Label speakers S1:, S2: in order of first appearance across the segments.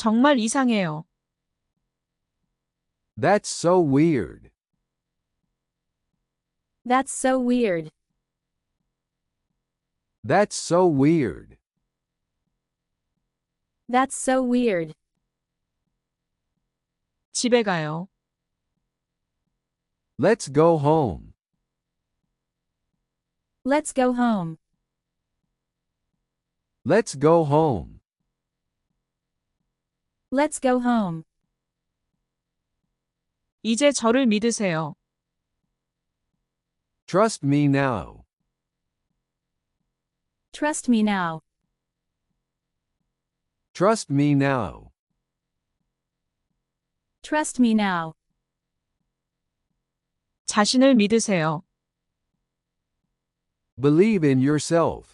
S1: 정말 이상해요.
S2: That's so weird.
S3: That's so weird.
S2: That's so weird.
S3: That's so weird.
S1: 집에 가요.
S2: Let's go home.
S3: Let's go home.
S2: Let's go home.
S3: Let's go home.
S1: 이제 저를 믿으세요.
S2: Trust me now.
S3: Trust me now.
S2: Trust me now.
S3: Trust me now.
S1: 자신을 믿으세요.
S2: Believe in yourself.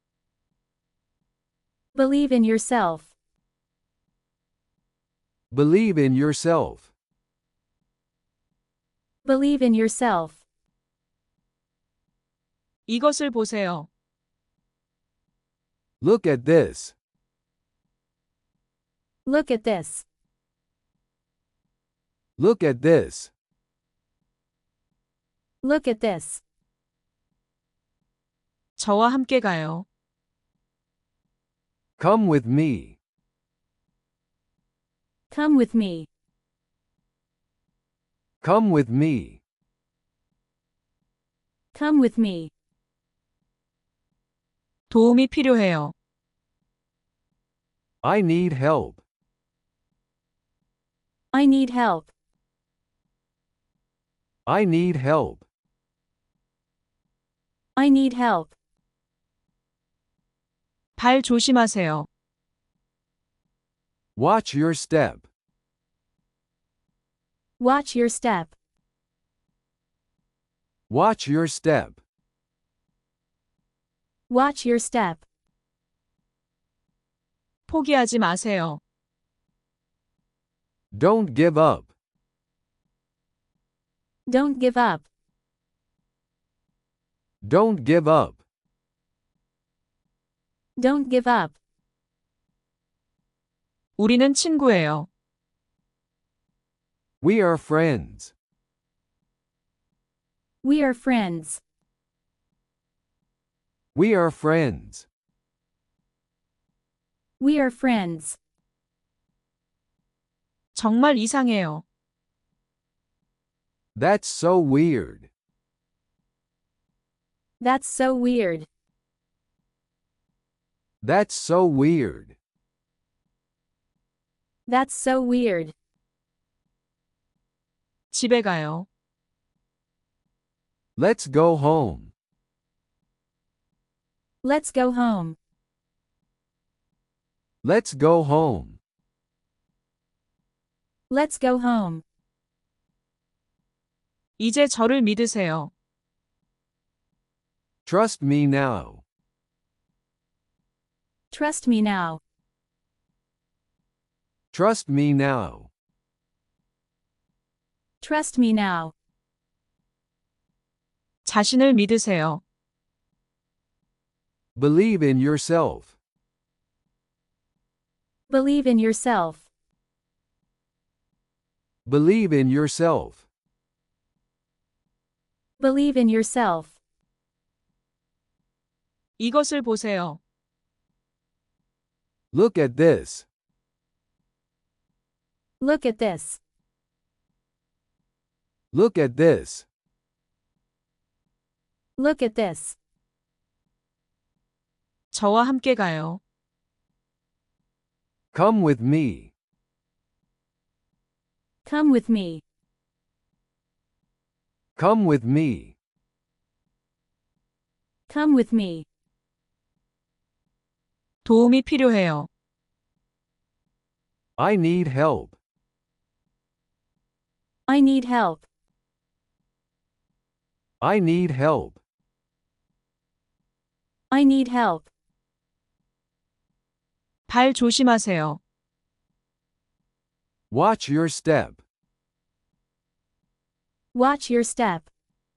S3: Believe in yourself.
S2: Believe in yourself.
S3: Believe in yourself.
S1: 이것을 보세요.
S2: Look at this.
S3: Look at this.
S2: Look at this.
S3: Look at this.
S1: 저와 함께 가요.
S2: Come with me.
S3: Come with me.
S2: Come with me.
S3: Come with me.
S1: 도움이 필요해요.
S2: I need help.
S3: I need help.
S2: I need help.
S3: I need help.
S1: 발 조심하세요.
S2: Watch your step.
S3: Watch your step.
S2: Watch your step.
S3: Watch your step.
S1: 포기하지 마세요.
S2: Don't give up.
S3: Don't give up.
S2: Don't give up.
S3: Don't give up.
S1: 우리는 친구예요.
S2: We are friends.
S3: We are friends.
S2: We are friends.
S3: We are friends.
S1: 정말 이상해요.
S2: That's so weird.
S3: That's so weird.
S2: That's so weird.
S3: That's so weird.
S1: 집에 가요.
S2: Let's go home.
S3: Let's go home.
S2: Let's go home.
S3: Let's go home.
S1: 이제 저를 믿으세요.
S2: Trust me now.
S3: Trust me now.
S2: Trust me now.
S3: Trust me now.
S1: 자신을 믿으세요.
S2: Believe in yourself.
S3: Believe in yourself.
S2: Believe in yourself.
S3: Believe in yourself.
S1: 이것을 보세요.
S2: Look at this.
S3: Look at this.
S2: Look at this.
S3: Look at this.
S1: 저와 함께 가요.
S2: Come with me.
S3: Come with me.
S2: Come with me.
S3: Come with me.
S1: 도움이 필요해요.
S2: I need help.
S3: I need help.
S2: I need help.
S3: I need help.
S1: 발 조심하세요.
S2: Watch your step.
S3: Watch your step.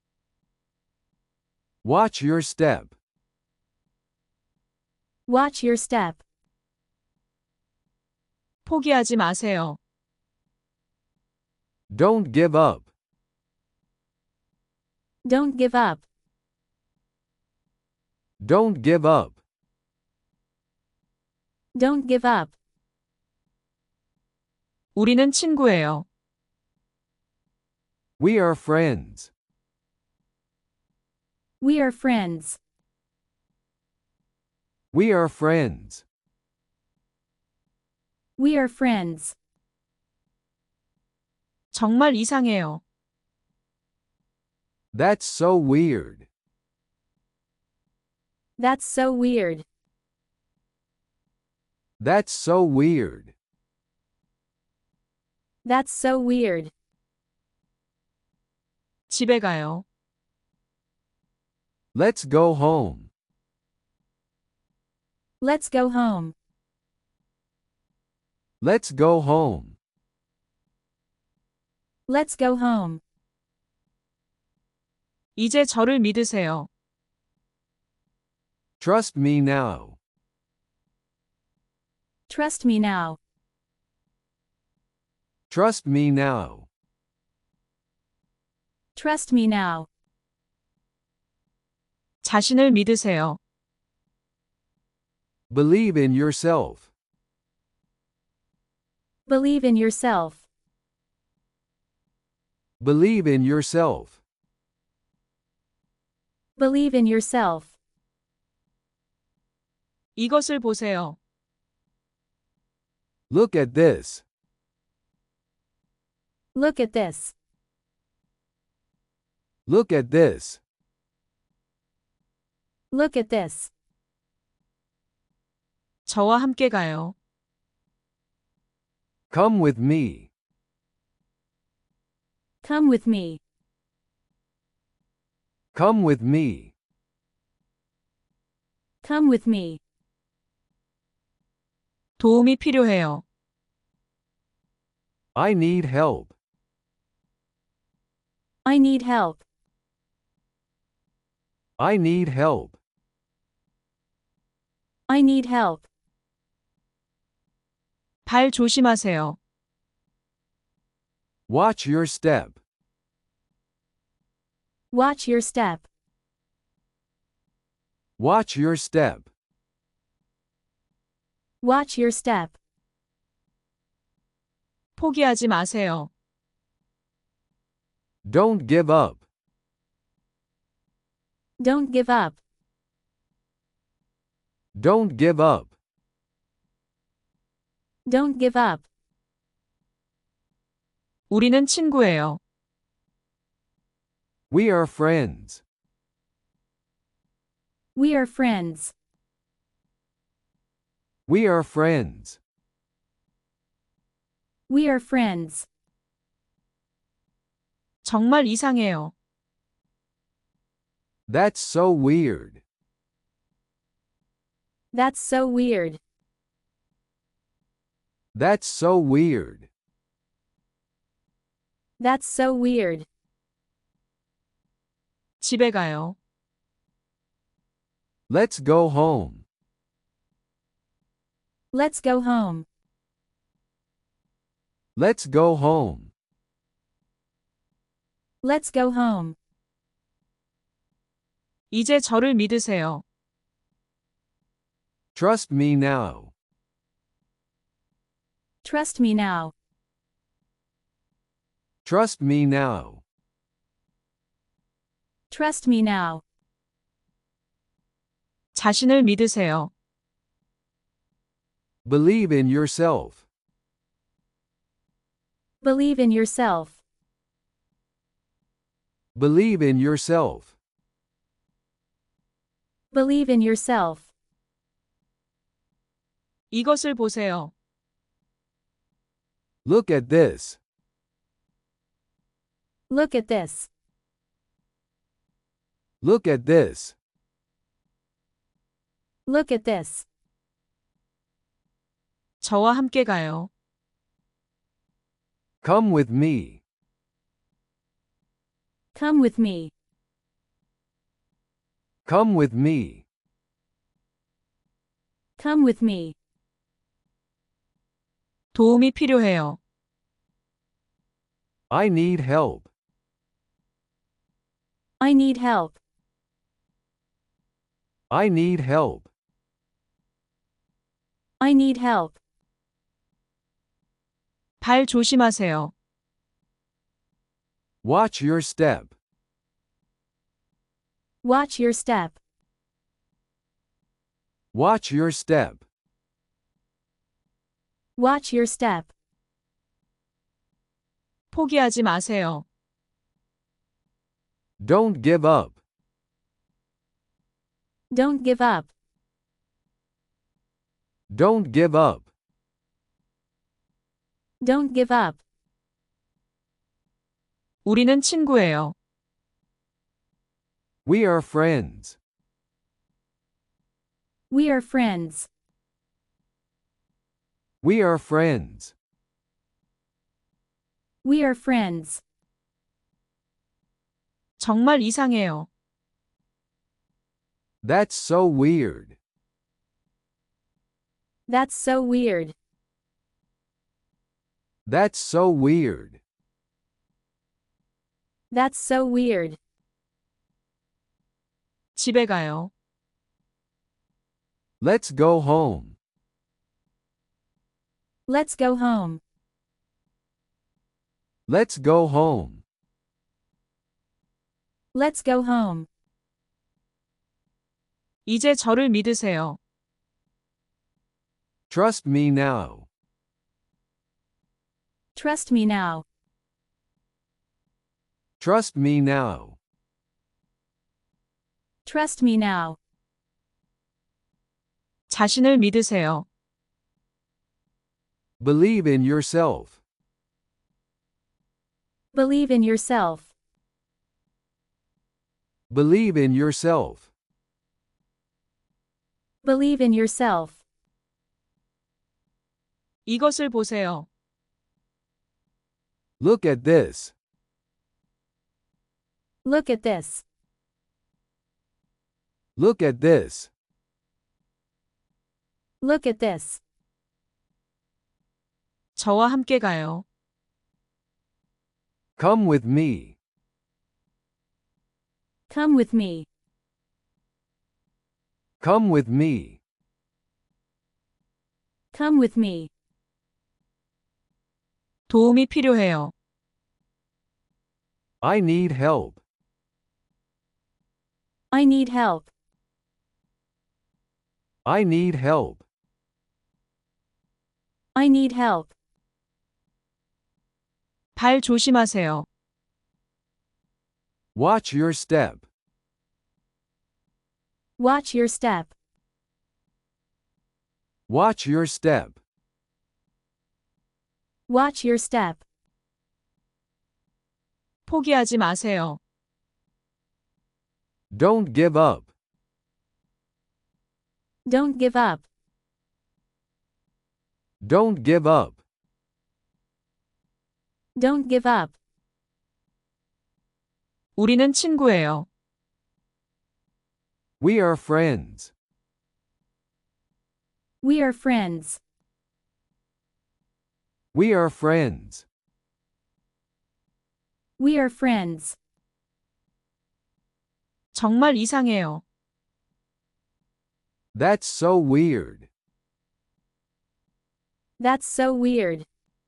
S2: Watch your step.
S3: Watch your step.
S1: 포기하지 마세요.
S2: Don't give up.
S3: Don't give up.
S2: Don't give up.
S3: Don't give up.
S1: 우리는 친구예요.
S2: We are friends.
S3: We are friends.
S2: We are friends.
S3: We are friends.
S1: 정말 이상해요.
S2: That's so weird.
S3: That's so weird.
S2: That's so weird.
S3: That's so weird.
S1: 집에 가요.
S2: Let's go home.
S3: Let's go home.
S2: Let's go home.
S3: Let's go home.
S1: 이제 저를 믿으세요.
S2: Trust me now.
S3: Trust me now.
S2: Trust me now.
S3: Trust me now.
S1: 자신을 믿으세요.
S2: Believe in yourself.
S3: Believe in yourself.
S2: Believe in yourself.
S3: Believe in yourself.
S1: 이것을 보세요.
S2: Look at this.
S3: Look at this.
S2: Look at this.
S3: Look at this.
S1: 저와 함께 가요.
S2: Come with me.
S3: Come with me.
S2: Come with me.
S3: Come with me.
S1: 도움이 필요해요.
S2: I need help.
S3: I need help.
S2: I need help.
S3: I need help.
S1: 발 조심하세요.
S2: Watch your step.
S3: Watch your step.
S2: Watch your step.
S3: Watch your step.
S1: 포기하지 마세요.
S2: Don't give up.
S3: Don't give up.
S2: Don't give up.
S3: Don't give up.
S1: 우리는 친구예요.
S2: We are friends.
S3: We are friends.
S2: We are friends.
S3: We are friends.
S1: 정말 이상해요.
S2: That's so weird.
S3: That's so weird.
S2: That's so weird.
S3: That's so weird.
S1: 집에 가요.
S2: Let's go home.
S3: Let's go home.
S2: Let's go home.
S3: Let's go home.
S1: 이제 저를 믿으세요.
S2: Trust me now.
S3: Trust me now.
S2: Trust me now.
S3: Trust me now.
S1: 자신을 믿으세요.
S2: Believe in yourself.
S3: Believe in yourself.
S2: Believe in yourself.
S3: Believe in yourself.
S1: 이것을 보세요.
S2: Look at this.
S3: Look at this.
S2: Look at this.
S3: Look at this.
S1: 저와 함께 가요.
S2: Come with me.
S3: Come with me.
S2: Come with me.
S3: Come with me.
S1: 도움이 필요해요.
S2: I need help.
S3: I need help.
S2: I need help.
S3: I need help.
S1: 발 조심하세요.
S2: Watch your step.
S3: Watch your step.
S2: Watch your step.
S3: Watch your step.
S1: 포기하지 마세요.
S2: Don't give up.
S3: Don't give up.
S2: Don't give up.
S3: Don't give up.
S1: 우리는 친구예요.
S2: We are friends.
S3: We are friends.
S2: We are friends.
S3: We are friends.
S1: 정말 이상해요.
S2: That's so weird.
S3: That's so weird.
S2: That's so weird.
S3: That's so weird.
S1: 집에 가요.
S2: Let's go home.
S3: Let's go home.
S2: Let's go home.
S3: Let's go home.
S1: 이제 저를 믿으세요.
S2: Trust me now.
S3: Trust me now.
S2: Trust me now.
S3: Trust me now.
S1: 자신을 믿으세요.
S2: Believe in yourself.
S3: Believe in yourself.
S2: Believe in yourself.
S3: Believe in yourself.
S1: 이것을 보세요.
S2: Look at this.
S3: Look at this.
S2: Look at this.
S3: Look at this.
S1: 저와 함께 가요.
S2: Come with me.
S3: Come with me.
S2: Come with me.
S3: Come with me.
S1: 도움이 필요해요.
S2: I need help.
S3: I need help.
S2: I need help.
S3: I need help.
S1: 발 조심하세요.
S2: Watch your step.
S3: Watch your step.
S2: Watch your step.
S3: Watch your step.
S1: 포기하지 마세요.
S2: Don't give up.
S3: Don't give up.
S2: Don't give up.
S3: Don't give up.
S1: 우리는 친구예요.
S2: We are friends.
S3: We are friends.
S2: We are friends.
S3: We are friends.
S1: 정말 이상해요.
S2: That's so weird.
S3: That's so weird.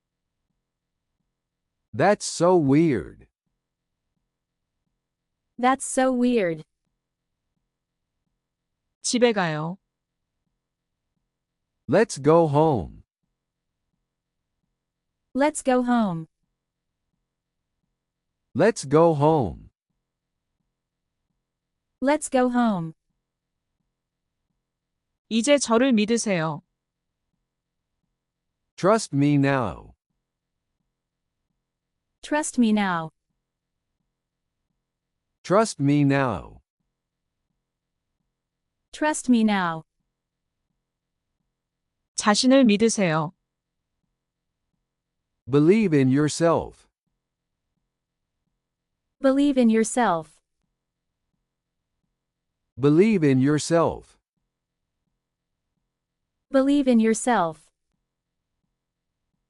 S2: That's so weird.
S3: That's so weird.
S1: 집에 가요.
S2: Let's go home.
S3: Let's go home.
S2: Let's go home.
S3: Let's go home.
S1: 이제 저를 믿으세요.
S2: Trust me now.
S3: Trust me now.
S2: Trust me now.
S3: Trust me now.
S1: 자신을 믿으세요.
S2: Believe in yourself.
S3: Believe in yourself.
S2: Believe in yourself.
S3: Believe in yourself.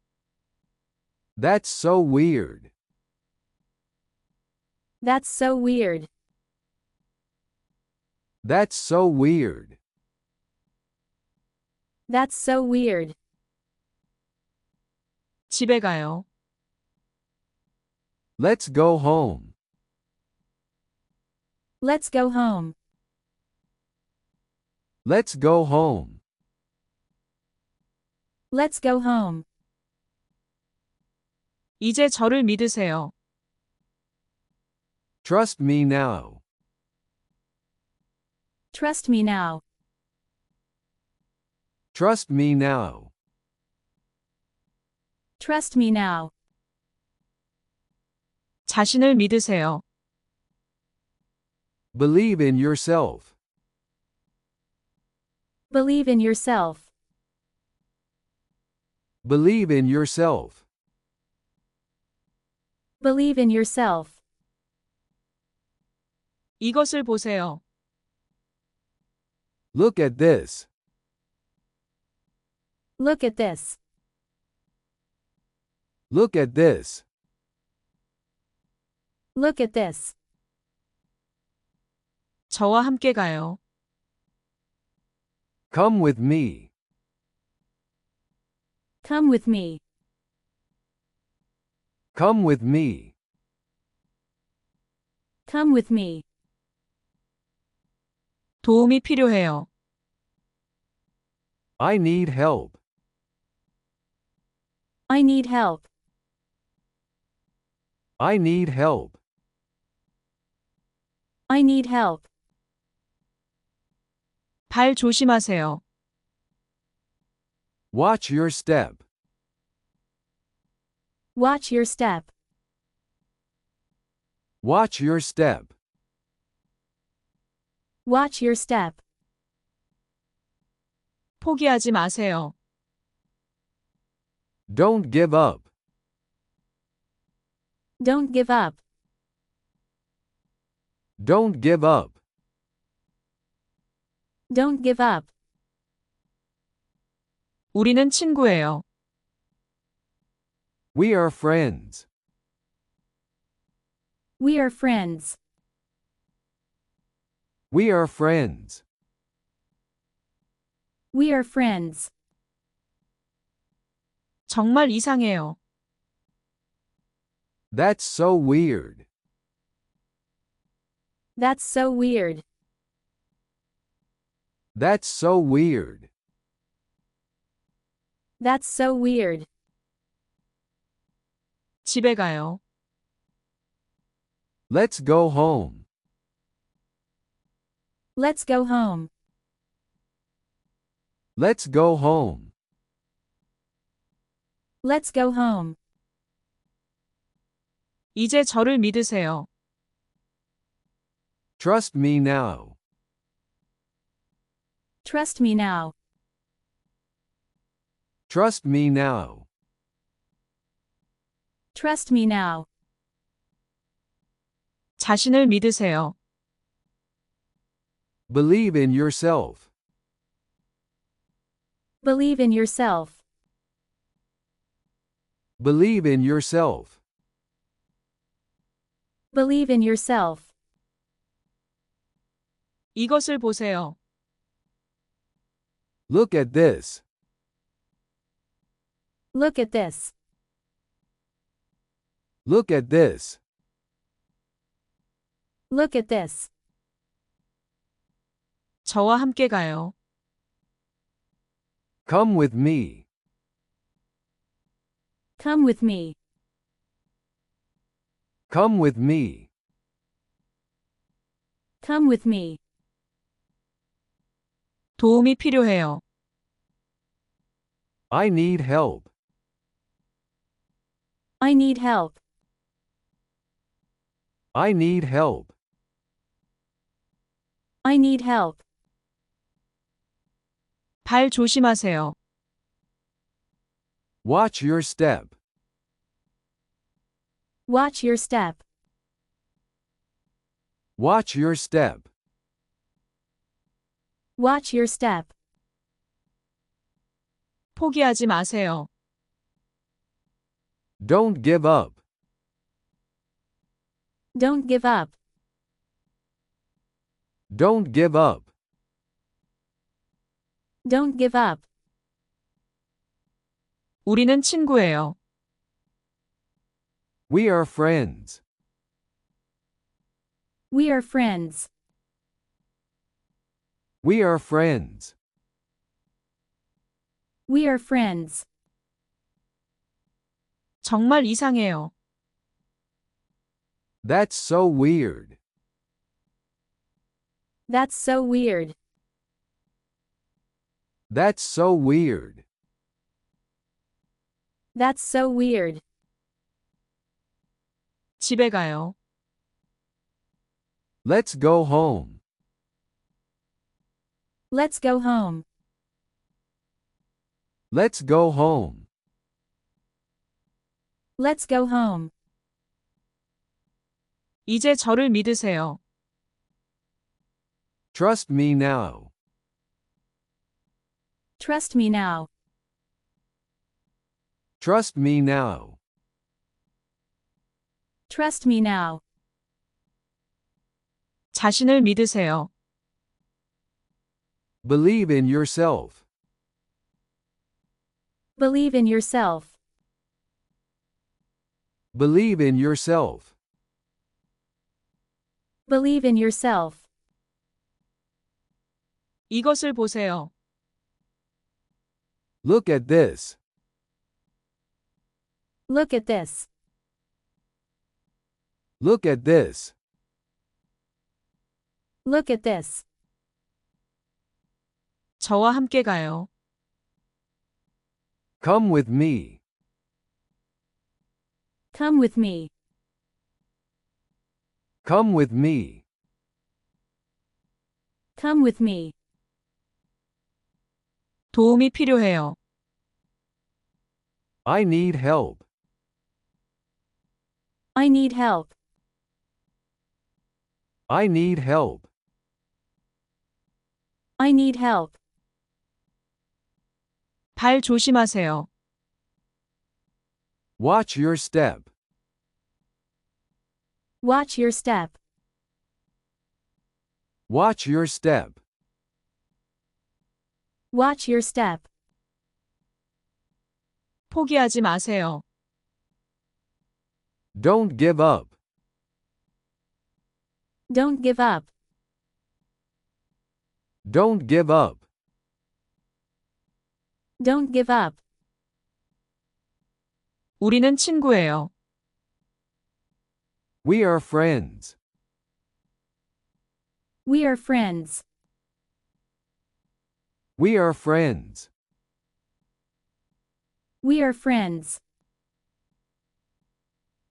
S2: That's so weird.
S3: That's so weird.
S2: That's so weird.
S3: That's so weird.
S1: 집에 가요.
S2: Let's go home.
S3: Let's go home.
S2: Let's go home.
S3: Let's go home.
S1: 이제 저를 믿으세요.
S2: Trust me now.
S3: Trust me now.
S2: Trust me now.
S3: Trust me now.
S1: 자신을 믿으세요.
S2: Believe in yourself.
S3: Believe in yourself.
S2: Believe in yourself.
S3: Believe in yourself.
S1: 이것을 보세요.
S2: Look at this.
S3: Look at this.
S2: Look at this.
S3: Look at this.
S1: 저와 함께 가요.
S2: Come with me.
S3: Come with me.
S2: Come with me.
S3: Come with me.
S1: 도움이 필요해요.
S2: I need help.
S3: I need help.
S2: I need help.
S3: I need help.
S1: 발 조심하세요.
S2: Watch your step.
S3: Watch your step.
S2: Watch your step.
S3: Watch your step.
S1: 포기하지 마세요.
S2: Don't give up.
S3: Don't give up.
S2: Don't give up.
S3: Don't give up.
S1: 우리는 친구예요.
S2: We are friends.
S3: We are friends.
S2: We are friends.
S3: We are friends.
S1: 정말 이상해요.
S2: That's so weird.
S3: That's so weird.
S2: That's so weird.
S3: That's so weird.
S1: 집에 가요.
S2: Let's go home.
S3: Let's go home.
S2: Let's go home.
S3: Let's go home.
S1: 이제 저를 믿으세요.
S2: Trust me now.
S3: Trust me now.
S2: Trust me now.
S3: Trust me now.
S1: 자신을 믿으세요.
S2: Believe in yourself.
S3: Believe in yourself.
S2: Believe in yourself.
S3: Believe in yourself.
S1: 이것을 보세요.
S2: Look at this.
S3: Look at this.
S2: Look at this.
S3: Look at this.
S1: 저와 함께 가요.
S2: Come with me.
S3: Come with me.
S2: Come with me.
S3: Come with me.
S1: 도움이 필요해요.
S2: I need help.
S3: I need help.
S2: I need help.
S3: I need help.
S1: 발 조심하세요.
S2: Watch your step.
S3: Watch your step.
S2: Watch your step.
S3: Watch your step.
S1: 포기하지 마세요.
S2: Don't give up.
S3: Don't give up.
S2: Don't give up.
S3: Don't give up.
S1: 우리는 친구예요.
S2: We are friends.
S3: We are friends.
S2: We are friends.
S3: We are friends.
S1: 정말 이상해요.
S2: That's so weird.
S3: That's so weird.
S2: That's so weird.
S3: That's so weird.
S1: 집에 가요.
S2: Let's go home.
S3: Let's go home.
S2: Let's go home.
S3: Let's go home.
S1: 이제 저를 믿으세요.
S2: Trust me now.
S3: Trust me now.
S2: Trust me now.
S3: Trust me now.
S1: 자신을 믿으세요.
S2: Believe in yourself.
S3: Believe in yourself.
S2: Believe in yourself.
S3: Believe in yourself.
S1: 이것을 보세요.
S2: Look at this.
S3: Look at this.
S2: Look at this.
S3: Look at this.
S1: 저와 함께 가요.
S2: Come with me.
S3: Come with me.
S2: Come with me.
S3: Come with me.
S1: 도움이 필요해요.
S2: I need help.
S3: I need help.
S2: I need help.
S3: I need help.
S1: 발 조심하세요.
S2: Watch your step.
S3: Watch your step.
S2: Watch your step.
S3: Watch your step.
S1: 포기하지 마세요.
S2: Don't give up.
S3: Don't give up.
S2: Don't give up.
S3: Don't give up.
S1: 우리는 친구예요.
S2: We are friends.
S3: We are friends.
S2: We are friends.
S3: We are friends.